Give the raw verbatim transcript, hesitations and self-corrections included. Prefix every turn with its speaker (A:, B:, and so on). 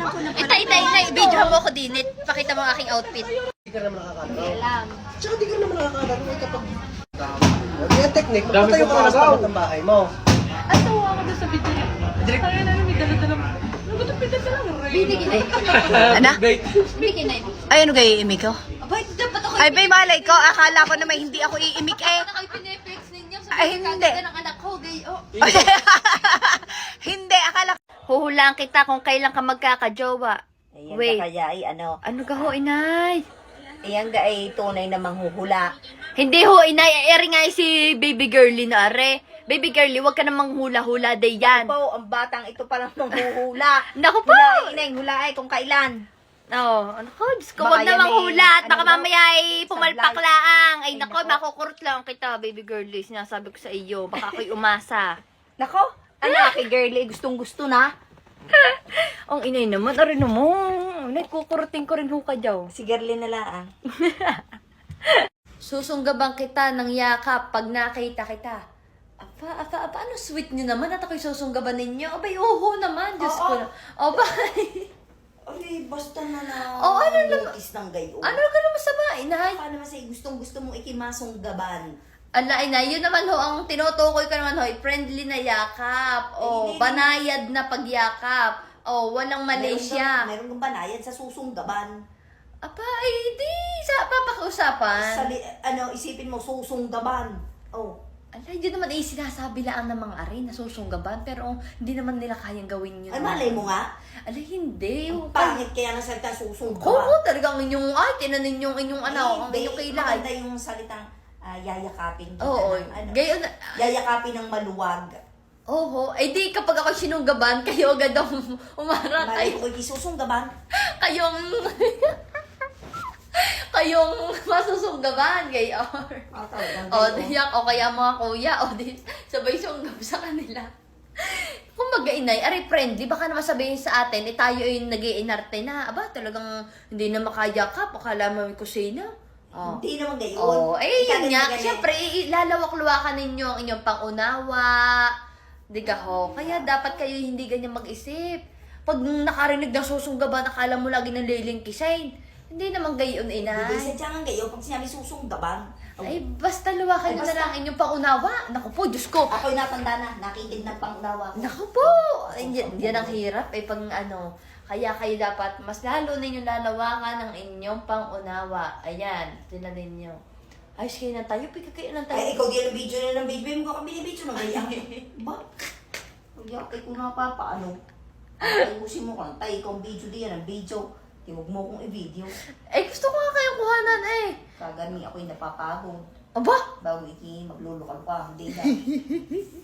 A: ko na
B: Itay, itay, itay. Video mo ako din. Pakita mo ang aking outfit.
C: Hindi ka naman nakakalaro.
B: Alam.
C: Tsaka di ka naman nakakalaro eh kapag... Yung technique, magpatayo ka na sa tapat ng bahay mo.
A: At tawa ako doon sa video niya. Kaya na may dala-dala. Nagutupit na lang.
B: Binigin na.
D: Ano?
B: Binigin na.
D: Ay, ano kayo iimik ko?
B: Abay, dapat ako.
D: Ay, may malay ko. Akala ko naman hindi ako iimik eh.
B: Ako na kayo pineflex ninyo.
D: Ay, hindi.
B: Kaganda ng anak ko, gayo.
D: Hindi, akala ko.
B: Huhulaan kita kung kailan ka magkakajowa.
E: Ayan
B: Wait.
E: ka kaya ay ano,
B: Ano ka ho, inay?
E: ayan ka ay tunay na manghuhula.
B: Hindi ho, inay. Eri nga si baby girly na are. Baby girly, wag ka namang hula-hula day yan.
E: Po, ang batang ito palang manghuhula.
B: Naku po!
E: Hula ay inay, hula ay kung kailan.
B: Oo. Ano ko? Diyos ko,
E: Baka
B: wag
E: yan
B: namang
E: may-
B: hula. At baka
E: ano,
B: mamaya ay pumalpak
E: sablay.
B: laang. Ay,
E: Ay,
B: nako,
E: nako.
B: makukurot lang kita, baby girly. Sinasabi ko sa iyo. Baka ako'y umasa.
E: Nako, anak, kay girlie, gustong gusto na.
B: Ang inay naman, arin mo. Nagkukurutin ko rin ho ka daw.
E: Si girlie na lang.
B: Susunggabang kita ng yakap pag nakita kita. Apa, apa, apa, ano sweet niyo naman at ako'y susunggaban ninyo? Abay, oho naman, Diyos ko. na. Abay,
E: Ay, basta na lang.
B: Oh, ano naman?
E: Notice ng gayo.
B: ano ka naman sa ba, inay?
E: Paano naman sa'yo gustong gusto mong ikimasunggaban?
B: Ala, inay, yun naman ho, ang tinutukoy ko naman ho, friendly na yakap. O,
E: Hindi,
B: banayad na pagyakap. O, walang Malaysia.
E: Meron kang banayad sa susunggaban.
B: Apa, ay, di, sa papakiusapan.
E: Sa, ano, isipin mo, susunggaban. Oh.
B: Ala, yun naman ay sinasabi lang ng mga ari na susunggaban, pero hindi naman nila kayang gawin yun.
E: Ay, malay mo nga.
B: Ala, hindi.
E: Ang pangit kaya ng salita susunggaban.
B: Oo, talagang inyong, ay, tinanin yung inyong ano, ang
E: Hindi,
B: inyong kailangan.
E: maganda yung salitang ah, yayakapin. kita
B: Oo,
E: ng, ano,
B: gayon na.
E: yayakapin ng maluwag.
B: Oo, ay di kapag ako sinunggaban, kayo agad ang umarang
E: Malay
B: kayo.
E: ko kay susunggaban.
B: Kayong, kayong masusunggaban, gayon.
E: Ah, talagang
B: O,
E: gayon.
B: diyak, o kaya mga kuya, o di, sabay sunggab sa kanila. Kung mag-inay, aray friendly, baka naman sabihin sa atin, eh tayo ay nag-iinarte na. Aba, talagang hindi na makayakap, akala mo may kusina. Oh.
E: Hindi naman gayon.
B: Oh, eh
E: Ikaw
B: yun
E: din
B: nga.
E: ganyan.
B: Siyempre, ilalawak-luwakan ninyo ang inyong pangunawa. Di ka ho? Kaya dapat kayo hindi ganyan mag-isip. Pag nakarinig ng susunggaban, nakala mo lagi ng lilingkisain. Hindi naman gayon,
E: Hindi
B: inay.
E: sadyang gayon pag sinabi susunggaban. Oh,
B: Ay, basta luwakan
E: Ay,
B: nyo na
E: basta.
B: lang ang inyong pangunawa. Naku po, Diyos ko.
E: ako'y natanda na, nakikinig ng pangunawa ko.
B: Naku po. Ay, yan, yan ang hirap. Eh, pang ano. Kaya kayo dapat mas lalo ninyong lalawakan ang inyong pangunawa. Ayan, tinan ninyo. Ayos kayo ng tayo. Pika kayo ng tayo.
E: Ay, ikaw din ang video na ng video. Mo ka binibidyo ng ganyan. Ba? Magyakay ko na pa, paano? Ayusin mo ka ng tayo. Ikaw ang video diyan, ang video. Di huwag mo kong i-video.
B: Eh, gusto ko nga kayong kuhanan eh.
E: Kagani ako'y napapagod.
B: Aba,
E: Bago iki maglulukal ka, hindi na.